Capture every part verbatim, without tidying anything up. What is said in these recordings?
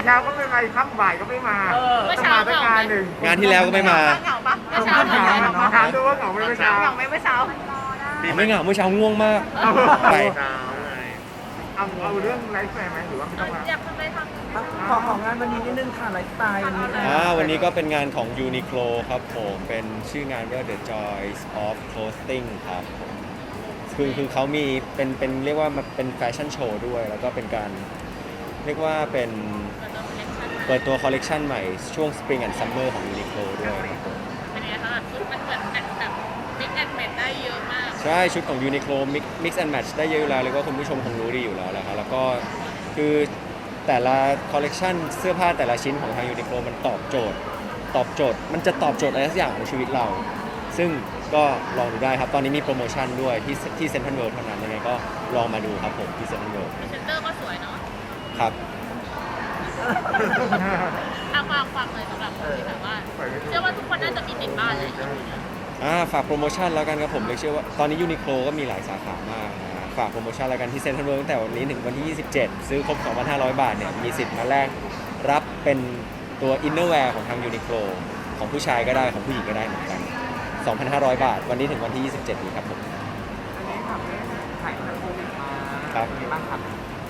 เช้าก็ไม่มาค่ำบ่ายก็ไม่มาต้องมาสักงานหนึ่งงานที่แล้วก็ไม่มาเหงาปะเมื่อเช้าเหงาถามดูว่าเหงาไหมเมื่อเช้าเหงาไหมเมื่อเช้าไม่เหงาเมื่อเช้าง่วงมากไปเอาเอาเรื่องไลฟ์แฟร์ไหมหรือว่าไม่ต้องมาอยากทำอะไรทำขอของงานวันนี้นิดนึงค่ะไลฟ์สไตล์วันนี้นะอ่าวันนี้ก็เป็นงานของ Uniqlo ครับผมเป็นชื่องานว่า The Joys of Clothing ครับผมคือคือเขามีเป็นเป็นเรียกว่ามันเป็นแฟชั่นโชว์ด้วย แล้วก็เป็นการเรียกว่าเป็นเปิดตัวคอลเลกชันใหม่ช่วง Spring and Summer ของ Uniqlo ด้วยครับผมเป็นไงคะแบบชุดมันเหมือนแบบแบบมิกแอนด์แมทได้เยอะมากใช่ชุดของ Uniqlo mix mix and match ได้เยอะอยู่แล้วเรียกว่าคุณผู้ชมคงรู้ดีอยู่แล้วแหละครับแล้วก็คือแต่ละคอลเลกชันเสื้อผ้าแต่ละชิ้นของทาง Uniqlo มันตอบโจทย์ ตอบโจทย์ มันจะตอบโจทย์อะไรสักอย่างของชีวิตเรา ซึ่งก็ลองดูได้ครับ ตอนนี้มีโปรโมชั่นด้วยที่ที่เซ็นทรัลเวิลด์เท่านั้นยังไงก็ลองมาดูครับผมที่เซ็นทรัลเวิลด์พรีเซนเตอร์ก็สวยเนาะครับเอาความความเลยสำหรับคนที่แบบว่าเชื่อว่าทุกคนน่าจะมีติดบ้านเลยอ่าฝากโปรโมชั่นแล้วกันครับผมเลยเชื่อว่าตอนนี้ Uniqlo ก็มีหลายสาขามากนะฝากโปรโมชั่นแล้วกันที่เซ็นทรัลเวิลด์ตั้งแต่วันนี้ถึงวันที่ ยี่สิบเจ็ด ซื้อครบ สองพันห้าร้อย บาทเนี่ยมีสิทธิ์มาแลกรับเป็นตัวอินเนอร์แวร์ของทาง Uniqlo ของผู้ชายก็ได้ของผู้หญิงก็ได้เหมือนกัน สองพันห้าร้อย บาท วันนี้ถึงวันที่ ยี่สิบเจ็ด นี้ครับผมอันนี้ค่ะแม่ถ่ายหนังโควิดมาครับเป็นไงบ้างครับ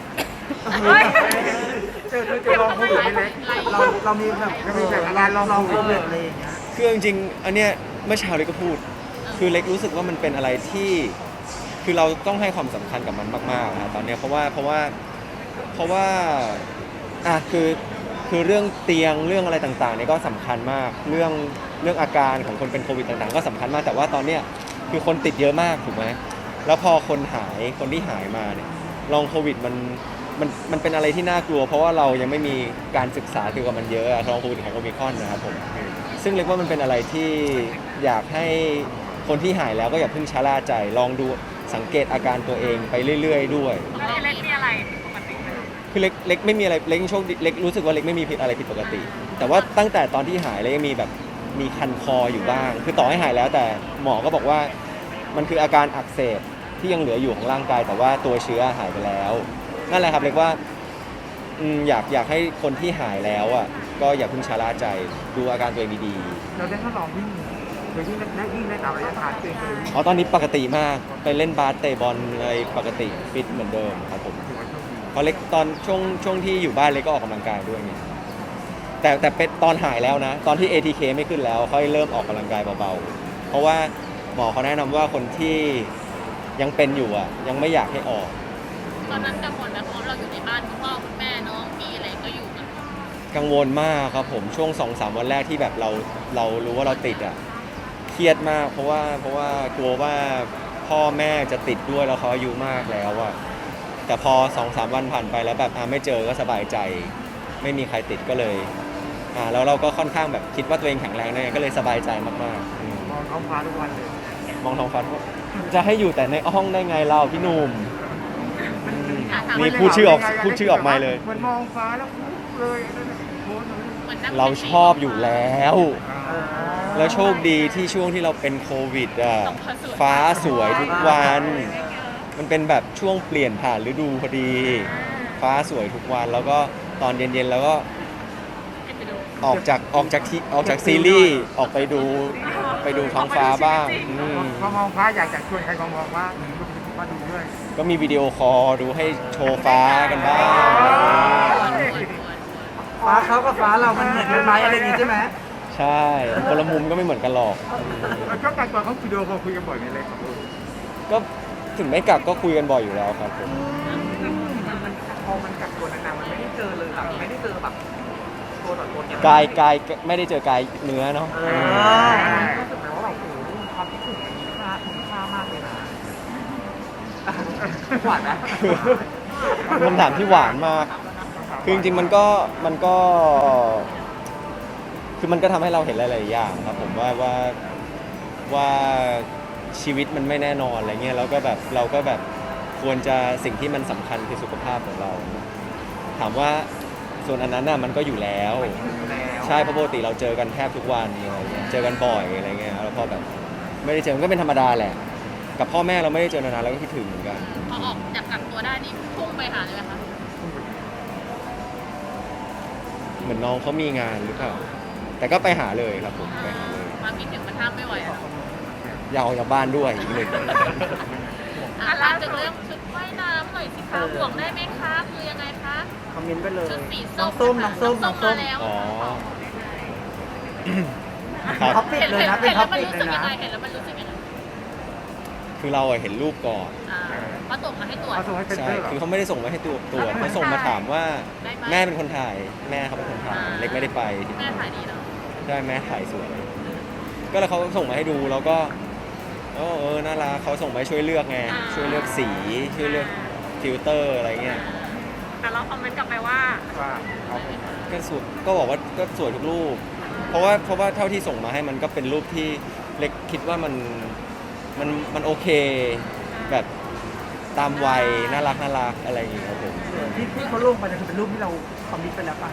เจอเจอเจอลองโควิดไม่เล็กเราเรามีแบบจะมีแบบการลองลองโคโควิวิดดอะไรอย่างเงี้ยคือจริงๆอันเนี้ยเมื่อเช้าเล็กก็พูด คือเล็กรู้สึกว่ามันเป็นอะไรที่คือเราต้องให้ความสำคัญกับมันมากๆนะตอนเนี้ยเพราะว่าเพราะว่าเพราะว่าอ่ะคือคือเรื่องเตียงเรื่องอะไรต่างๆเนี่ยก็สำคัญมากเรื่องเรื่องอาการของคนเป็นโควิดต่างๆ ก็สำคัญมากแต่ว่าตอนเนี้ยคือคนติดเยอะมากถูกไหมแล้วพอคนหายคนที่หายมาเนี่ยลองโควิดมันมันมันเป็นอะไรที่น่ากลัว เพราะว่าเรายังไม่มีการศึกษาเกี่ยวกับมันเยอะอะลองโควิดของโอมิครอนนะครับผมซึ่งเรียกว่ามันเป็นอะไรที่อยากให้คนที่หายแล้วก็อย่าเพิ่งชะล่าใจลองดูสังเกตอาการตัวเองไปเรื่อยๆด้วยเล็กมีอะไรปกติคือเล็กเล็กไม่มีอะไรเล็กโชคดีเล็กรู้สึกว่าเล็กไม่มีผิดอะไรผิดปกติ แต่ว่าตั้งแต่ตอนที่หายเล็กยังมีแบบมีคันคออยู่บ้าง คือต่อให้หายแล้วแต่หมอก็บอกว่ามันคืออาการอักเสบที่ยังเหลืออยู่ของร่างกาย แต่ว่าตัวเชื้อหายไปแล้วนั่นแหละครับเล็กว่าอืมอยากอยากให้คนที่หายแล้วอ่ะก็อย่าเพิ่งชะล่าใจดูอาการตัวเองดีเราได้ทดลองวิ่งโดยวิ่งได้วิ่งได้ตามระยะทางเองเลยวิ่งๆอ๋อตอนนี้ปกติมากไปเล่นบาสเตะบอลอะไรปกติฟิตเหมือนเดิมครับผมถือว่าโชคดีเพราะเล็กตอนช่วงช่วงที่อยู่บ้านเล็กก็ออกกำลังกายด้วยไงแต่แต่เป็นตอนหายแล้วนะ ตอนที่ เอ ที เค ไม่ขึ้นแล้วค่อยเริ่มออกกำลังกายเบาๆเพราะว่าหมอเขาแนะนำว่าคนที่ยังเป็นอยู่อ่ะยังไม่อยากให้ออกตอนนั้นกังวลไหมเพราะเราอยู่ในบ้านคุณพ่อคุณแม่น้องพี่อะไรก็อยู่กันกังวลมากครับผมช่วง สองสาม วันแรกที่แบบเราเรารู้ว่าเราติดอ่ะเครียดมาก เพราะว่าเพราะว่ากลัวว่าพ่อแม่จะติดด้วยแล้วเขาอายุมากแล้วอ่ะแต่พอ สองสาม วันผ่านไปแล้วแบบอ่าไม่เจอก็สบายใจ ไม่มีใครติดก็เลยอ่าแล้วเราก็ค่อนข้างแบบคิดว่าตัวเองแข็งแรงนะก็เลยสบายใจมากๆอืมมองท้องฟ้าทุกวันเลยมองท้องฟ้าทุกวันจะให้อยู่แต่ในห้องได้ไงเราพี่หนุ่มอืมนี่พูดชื่อออกพูดชื่อออกมาเลยเหมือนมองฟ้าแล้วเลยโพสต์เลยเหมือนนั่งเราชอบอยู่แล้วอ่าแล้วโชคดีที่ช่วงที่เราเป็นโควิดอ่ะฟ้าสวยทุกวัน มันเป็นแบบช่วงเปลี่ยนผ่านฤดูพอดี ฟ้าสวยทุกวันแล้วก็ตอนเย็นๆแล้วก็ให้ไปดูออกจากออกจากที่ออกจากซีรีส์ออกไปดูไปดูท้องฟ้าบ้างอืมพอมองฟ้าอยากจะชวนใครมามองว่ามาดูด้วยก็มีวิดีโอคอลดูให้โชว์ฟ้ากันบ้างฟ้าเขากับฟ้าเรามันเหมือนกันไหมอะไรอย่างงี้ใช่ไหมใช่คนละมุมก็ไม่เหมือนกันหรอกแล้วก็การก่อนเขาวิดีโอคอลคุยกันบ่อยไหมเลยครับก็ถึงไม่กลับก็คุยกันบ่อยอยู่แล้วครับผมมันมันพอมันกักตัวนานๆมันไม่ได้เจอเลยแบบไม่ได้เจอแบบตัวต่อตัวเนี่ยกายกายไม่ได้เจอกายเนื้อเนาะเออรู้สึกไหมว่าแบบโอ้โหความคิดถึงมันมีค่ามีค่ามากเลยนะหวานไหมคำถามที่หวานมาก คือจริงๆมันก็มันก็ คือมันก็ทำให้เราเห็นหลายๆอย่างครับผมว่าว่าว่าชีวิตมันไม่แน่นอนอะไรเงี้ยแล้วก็แบบเราก็แบบควรจะสิ่งที่มันสำคัญคือสุขภาพของเรา ถามว่าส่วนอันนั้นน่ะมันก็อยู่แล้ว ใช่เพราะปกติเราเจอกันแทบทุกวันอะไรเงี้ยเจอกันบ่อยอะไรเงี้ยแล้วพอแบบไม่ได้เจอมันก็เป็นธรรมดาแหละ กับพ่อแม่เราไม่ได้เจอนานๆเราก็คิดถึงเหมือนกันพอออกจากกักตัวได้นี่พุ่งไปหาเลยไหมคะเหมือนน้องเขามีงานหรือเปล่าแต่ก็ไปหาเลยครับผมไปหาเลยความคิดถึงมันห้ามไม่ไหวอะเนาะอยากออกจากบ้านด้วยอีกหนึ่งอ่ะถามถึงเรื่องชุดว่ายน้ำหน่อยสิคะห่วงได้ไหมคะคือยังไงคะคอมเมนต์ไปเลยชุดสีน้ส้องมส้มน้องส้มน้องส้มาม แล้วอ๋อครับท็อปปิกเห็นเลยเห็นนะเป็นเห็นท็แล้อวปมันปิกรู้เลสึกยยังไงนะเห็นแล้วมันรู้สึกยังไงคือเราอะเห็นรูปก่อนอ่าเขาส่งมาให้ตรวจเอาส่งให้เซ็นใช่เตอร์เหรอคือเขาไม่ได้ส่งมาให้ตัวตัวจเขาส่งมาถามว่าได้ไหมแม่เป็นคนถ่ายแม่เขาเป็นคนถ่ายเล็กไม่ได้ไปแม่ถ่ายดีเนาะใช่แม่ถ่ายสวยก็แล้วเขาส่งมาให้ดูแล้วก็เออเออน่ารักเขาส่งมาให้ช่วยเลือกไงช่วยเลือกสีช่วยเลือกฟิลเตอร์อะไรเงี้ยแต่เราคอมเมนต์กลับไปว่าว่าเอาก็สวยก็บอกว่าก็สวยทุกรูป เพราะว่าเพราะว่าเท่าที่ส่งมาให้มันก็เป็นรูปที่เล็กคิดว่ามันมันมันโอเค แบบตามวัยน่ารักน่ารักอะไรอย่างเงี้ยครับผมที่ที่เขาลงไปเนี่ยคือเป็นรูปที่เราคอมมิตไปแล้วป่ะ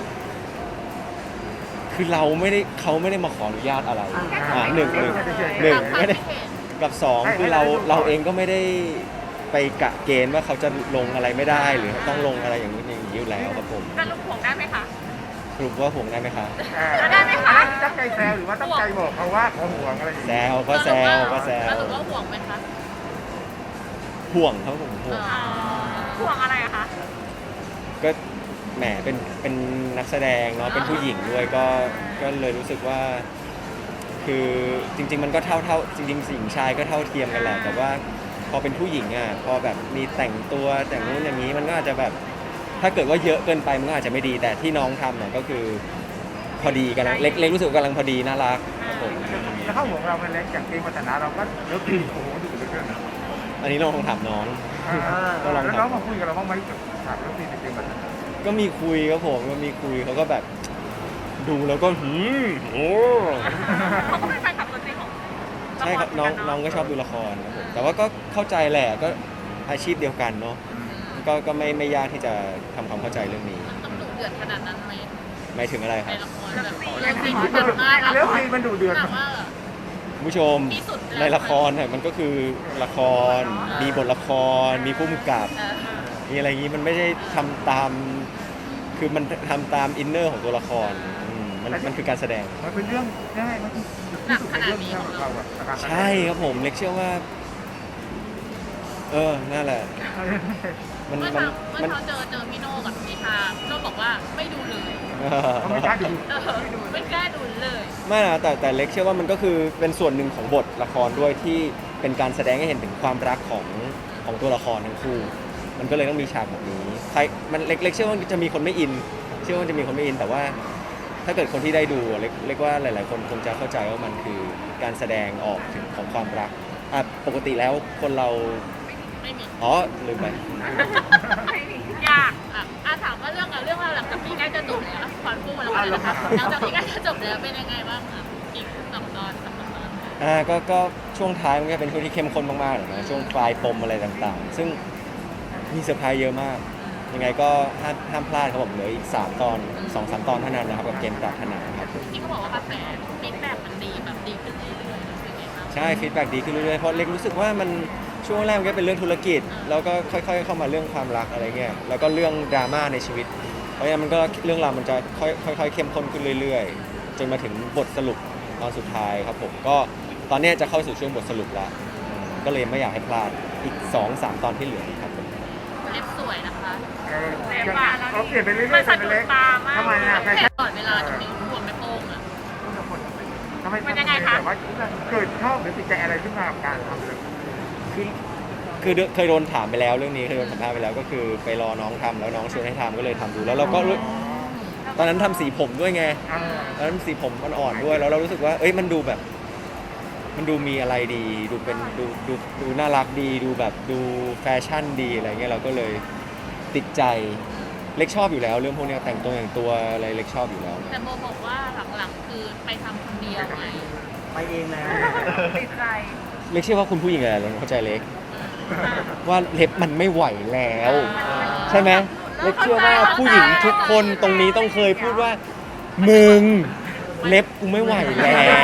คือเราไม่ได้เขาไม่ได้มาขออนุญาตอะไรอ่าอ่าหนึ่งหนึ่งเฉยๆหนึ่งตามความไม่ได้คิดเห็นกับสองคือเราเราเองก็ไม่ได้ไปกะเกณฑ์ว่าเขาจะลงอะไรไม่ได้ หรือต้องลงอะไรอย่างนี้อย่างนี้อยู่แล้วครับผมสรุปห่วงได้ไหมคะสรุปว่าห่วงได้ไหมคะได้ไหมคะตั้งใจแซวหรือว่าตั้งใจบอกเขาว่าเขาห่วงอะไรอย่างแซเงี้ยวก็แซวก็แซวสรุปว่าห่วงไหมคะห่วงครับผมห่วงห่วงอะไรอะคะก็แหมเป็นเป็นนักแสดงเนาะเป็นผู้หญิงด้วยก็ก็เลยรู้สึกว่า คือจริง ๆ มันก็เท่าเท่าจริงๆหญิงชายก็เท่าเทียมกันแหละแต่ว่าพอเป็นผู้หญิงอ่ะพอแบบมีแต่งตัวแต่งนู้นอย่างนี้มันก็อาจจะแบบถ้าเกิดว่าเยอะเกินไปมันก็อาจจะไม่ดีแต่ที่น้องทำเนี่ยก็คือพอดีกันเล็กเล็กรู้สึกว่ากำลังพอดีน่ารักครับผมแล้วเขาห่วงเราเป็นเล็กอย่างเกมพัฒนาเราก็เลิกโอ้โหดูเหลือเกินนะอันนี้เราลองถามน้อง ก็ลองแล้วถามน้องมาคุยกับเราบ้างไหมถามเรื่องซีในเกมพัฒนาก็มีคุยครับผมก็มีคุยเขาก็แบบดูแล้วก็หืมโอ้เขาก็เป็นแฟนคลับตัวจริงของใช่ครับน้องน้องก็ชอบดูละครครับผมแต่ว่าก็เข้าใจแหละก็อาชีพเดียวกันเนาะก็ก็ไม่ไม่ยากที่จะทำความเข้าใจเรื่องนี้ต้องดุเดือดขนาดนั้นไหมหมายถึงอะไรคในรับละครแบบเรื่องซีนที่แบบมากแล้วซีมันดูเดือดหนักมากคุณผู้ชมที่สุดแล้วในละครเนี่ยมันก็คือละคร มีบทละคร มีผู้กำกับเออมีอะไรอย่างนี้มันไม่ได้ทำตาม คือมันทำตามอินเนอร์ของตัวละครอืมมันมันคือการแสดงมันเป็นเรื่องง่ายมันที่สุดในเรื่องนี้ของเราอะใช่ครับผมเล็กเชื่อว่า เออนั่นแหละ มันเมื่อมันเช้าเมื่อมันเช้าเจอเจอพี่โน่กับพี่ชาพี่โน่บอกว่าไม่ดูเลยเขาไม่กล้าดูเออไม่กล้าดูเลยไม่นะแต่แต่เล็กเชื่อว่ามันก็คือเป็นส่วนหนึ่งของบทละครด้วยที่เป็นการแสดงให้เห็นถึงความรักของของตัวละครทั้งคู่ มันก็เลยต้องมีฉากแบบนี้ใครมันเล็กเล็กเชื่อว่าจะมีคนไม่อิน เชื่อว่าจะมีคนไม่อิน แต่ว่าถ้าเกิดคนที่ได้ดูเล็กเล็กว่าหลาย ๆ คนคงจะเข้าใจว่ามันคือการแสดงออกถึงของความรักอ่ะปกติแล้วคนเราไม่มีอ๋อลืมไปยากอ่ะอ่ะถามว่าเรื่องอะเรื่องราวหลังจากนี้ใกล้จะจบแล้วขอพูดมาแล้วกันนะคะหลังจากนี้ใกล้จะจบแล้วเป็นยังไงบ้างอ่ะอีกสองตอนสามตอนอ่าก็ก็ช่วงท้ายมันก็เป็นช่วงที่เข้มข้นมากๆเลยนะช่วงปลายปมอะไรต่างๆ ซึ่งมีเซอร์ไพรส์เยอะมาก ยังไงก็ห้ามห้ามพลาดครับผมเหลืออีกสามตอนสองสามตอนเท่านั้นนะครับกับเกมปรารถนาครับที่เขาบอกว่ากระแสฟีดแบ็กมันดีแบบดีขึ้นเรื่อยๆเป็นไงบ้างใช่ฟีดแบ็ดีขึ้นเรื่อยๆเพราะเล็กรู้สึกว่ามันช่วงแรกมันก็เป็นเรื่องธุรกิจ แล้วก็ค่อยๆเข้ามาเรื่องความรักอะไรเงี้ยแล้วก็เรื่องดราม่าในชีวิต เพราะฉะนั้นมันก็เรื่องราวมันจะค่อยๆค่อยๆเข้มข้นขึ้นเรื่อยๆ จนมาถึงบทสรุปตอนสุดท้ายครับผมก็ตอนเนี้ยจะเข้าสู่ช่วงบทสรุปแล้วอืมก็เลยไม่อยากให้พลาดอีก สองสาม ตอนที่เหลือครับผมเล็บสวยนะคะเออเขาเปลี่ยนไปเรื่อยๆเป็นเล็กทำไมอ่ะแฟแค่ชั่นก่อนเวลาตรงนี้รวมไม่โป้งอ่ะทำไมมันยังไงคะแบบว่าเกิดชอบหรือติดใจอะไรขึ้นมากับการทำเลยคือคือเคยโดนถามไปแล้วเรื่องนี้เคยโดนสัมภาษณ์ไปแล้วก็คือไปรอน้องทำแล้วน้องชวนให้ทำก็เลยทำดูแล้วเราก็รู้ตอนนั้นทำสีผมด้วยไงอ่าตอนนั้นสีผมอ่อนๆด้วยแล้วเรารู้สึกว่าเอ้ยมันดูแบบ มันดูมีอะไรดี ดูเป็นดูดูดูน่ารักดีดูแบบดูแฟชั่นดีอะไรเงี้ยเราก็เลยติดใจเล็กชอบอยู่แล้ว เรื่องพวกเนี้ยแต่งตัวอย่างตัวอะไรเล็กชอบอยู่แล้วแต่โบบอกว่าหลังๆคือไปทำคนเดียวไงไปเองแล้วติดใจเล็กเชื่อว่าคุณผู้หญิงหลายๆคนเข้าใจเล็ก ว่าเล็บมันไม่ไหวแล้ว ใช่ไหมเล็กเชื่อว่าผู้หญิงทุกคนตรงนี้ต้องเคยพูดว่า มึงเล็บกูไม่ไหวแล้ว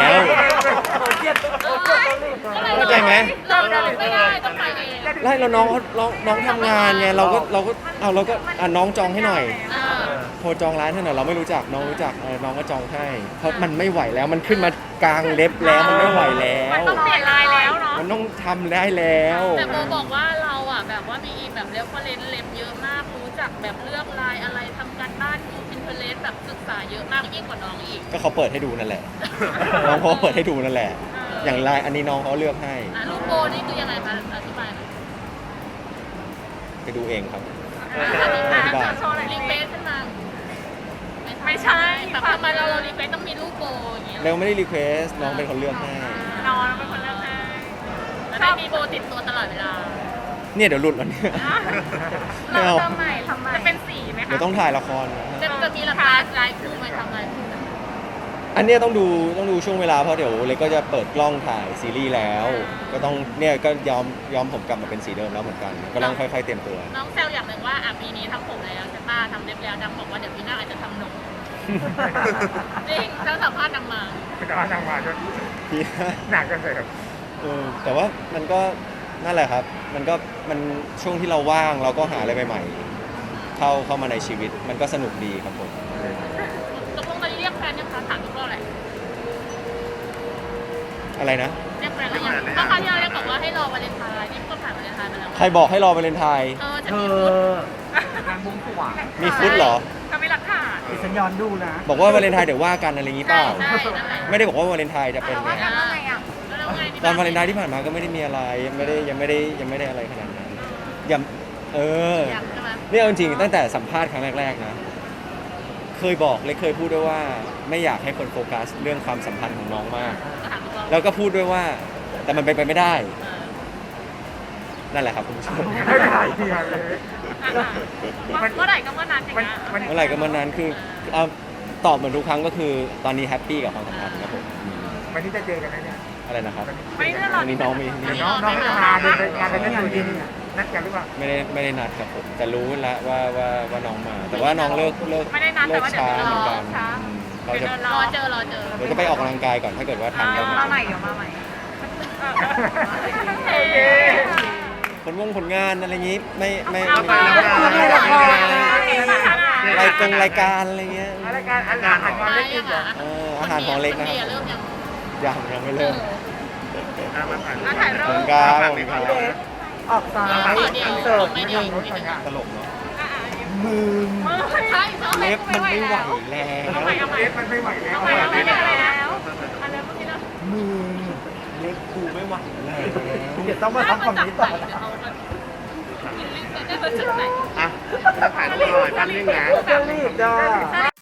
เข้าใจไหมเราเราไม่ได้ต้องไปเองไล่เราน้องเขาน้องน้องทำงานไงเราก็เราก็เอาเราก็อ่ะน้องจองให้หน่อยเออรจองร้านให้หน่อยเราไม่รู้จักน้องรู้จักเออน้องก็จองให้เพราะมันไม่ไหวแล้วมันขึ้นมากลางเล็บแล้วมันไม่ไหวแล้วต้องเปลี่ยนลายแล้วเนาะมันต้องทำได้แล้วแต่โบบอกว่าเราอ่ะแบบว่ามีแบบเรฟเฟอเรนซ์เล็บเยอะมากรู้จักแบบเลือกลายอะไรทำการบ้านดูพินเทเลสแบบศึกษาเยอะมากยิ่งกว่าน้องอีกก็เขาเปิดให้ดูนั่นแหละ น้องเขาเปิดให้ดูนั่นแหละ อย่างลายอันนี้น้องเขาเลือกให้อ่ะลูกโบนี่คือยังไงคะอธิบายหน่อยไปดูเองครับอธิบายอธิบายโชว์หน่อยรีเควสขึ้นมาไม่ใช่แบบทำไมเราเรารีเควสต้องมีลูกโบอย่างเงี้ยเร็วไม่ได้รีเควสน้องเป็นคนเลือกให้น้องเป็นคนเลือกให้แล้วได้มีโบติดตัวตลอดเวลาเนี่ยเดี๋ยวหลุดแล้วเนี่ย ไม่เราเอาทำไมทำไมจะเป็นสีไหมคะเดี๋ยวต้องถ่ายละครนะจะจะมีราคาลายคู่ไหมทำลายคู่ไหมอันเนี้ยต้องดูต้องดูช่วงเวลาเพราะเดี๋ยวเล็กก็จะเปิดกล้องถ่ายซีรีส์แล้ว ก็ต้องเนี่ยก็ยอมยอมผมกลับมาเป็นสีเดิมแล้วเหมือนกัน ก็ต้องค่อยๆเตรียมตัวน้องแซวอย่างหนึ่งว่าอ่ะปีนี้ทำผมแล้วใช่ป่ะทำเล็บแล้วดังบอกว่าเดี๋ยวปีหน้าอาจจะทำหนมจริงถ้าสัมภาษณ์นางมาแต่ว่าทางมาจะพี่หนักกันเลยครับเออแต่ว่ามันก็นั่นแหละครับ มันก็มันช่วงที่เราว่างเราก็หาอะไรใหม่ๆเข้าเข้ามาในชีวิตมันก็สนุกดีครับผมตกลงตอนนี้เรียกแฟนยังคะถามทุกรอบเลยอะไรนะเรียกแฟนแล้วยังเมื่อคราวที่เราเรียกบอกว่าให้รอวาเลนไทน์นี่ก็ผ่านวาเลนไทน์ไปแล้วใครบอกให้รอวาเลนไทน์เออจะเธมีอฟุตงานบวงสรวงมีฟุตเหรอจะมีหลักฐานดิฉันย้อนดูนะบอกว่าวาเลนไทน์เดี๋ยวว่ากันอะไรอย่างงี้เปใช่ล่าใช่นั่นแหละไม่ได้บอกว่าวาเลนไทน์จะเป็นไงแล้วไงอ่ะแล้วไงตอนวาเลนไทน์ที่ผ่านมาก็ไม่ได้มีอะไรยังไม่ได้ยังไม่ได้ยังไม่ได้อะไรขนาดนั้นอย่าเอออยากใช่ไหมนี่เอาจริงๆตั้งแต่สัมภาษณ์ครั้งแรกๆนะ เคยบอกเลยเคยพูดด้วยว่าไม่อยากให้คนโฟกัสเรื่องความสัมพันธ์ของน้องมากก็ถามทุกรอบแล้วก็พูดด้วยว่า แต่มันเป็นไปไม่ได้เออนั่นแหละครับคุณผู้ชมไม่ได้ที่มาเลยมันเมื่อไหร่ก็เมื่อนั้นอย่างมันเงี้ยมันเมื่อไหร่ก็เมื่อนั้นคือเอาตอบเหมือนทุกครั้งก็คือตอนนี้แฮปปี้กับความสัมพันธ์ครับผมอืมวันนี้จะเจอกันไหมเนี่ยอะไรนะครับไม่ได้รอวันนี้น้องมีมีน้องน้องจะมาเดินไปงานกันนั่นอยู่ที่นัดกันหรือเปล่าไม่ได้ไม่ได้นัดครับผมแต่รู้แล้วว่าว่าว่าน้องมา แต่ว่าน้องเลิกเลิกไม่ได้นัดเลิแต่กว่าเดี๋ยวช้าจะเหรมืออนกันช้าอืมเราจะรอเจอรอเจอเราจะไปออกกำลังกายก่อนถ้าเกิดว่าทันก็มาใหม่เดี๋ยวมาใหม่โอเคผลวงผลงานอะไรอย่างงี้ไม่ไม่เอาไม่ไปไม่แล้วไม่ไปรายกงรายการอะไรเงี้ยรายการอาหารอาหารเล็กอีกเหรอเอออาหารของเล็กนะคเริ่รับมยังยังยังไม่เริ่มมาถ่ายอ่ะถ่ายรูขอบปคุณครับขอบคุณครับออกซ้ายเดี๋ยวอินเสิร์ตไม่นิดเดี๋ยวนึงอีกนิดนึงตลกเนาะมึงใช่เขาเล็บมันไม่ไหวแล้แล้วเอาใหม่เอาใหม่เล็กมันไม่ไหวแล้วเอาใหม่เอาใหม่เอาใหม่แล้วอันนี้เมื่อกี้เรามึงเล็บกูไม่ไหวแล้วเดี๋ยวต้องมาทำฝั่งนี้ต่อนะได้มาจากไหนอ่ะแล้วถ่ายรูปหน่อยแป๊บนึงนะจะรีบจ้า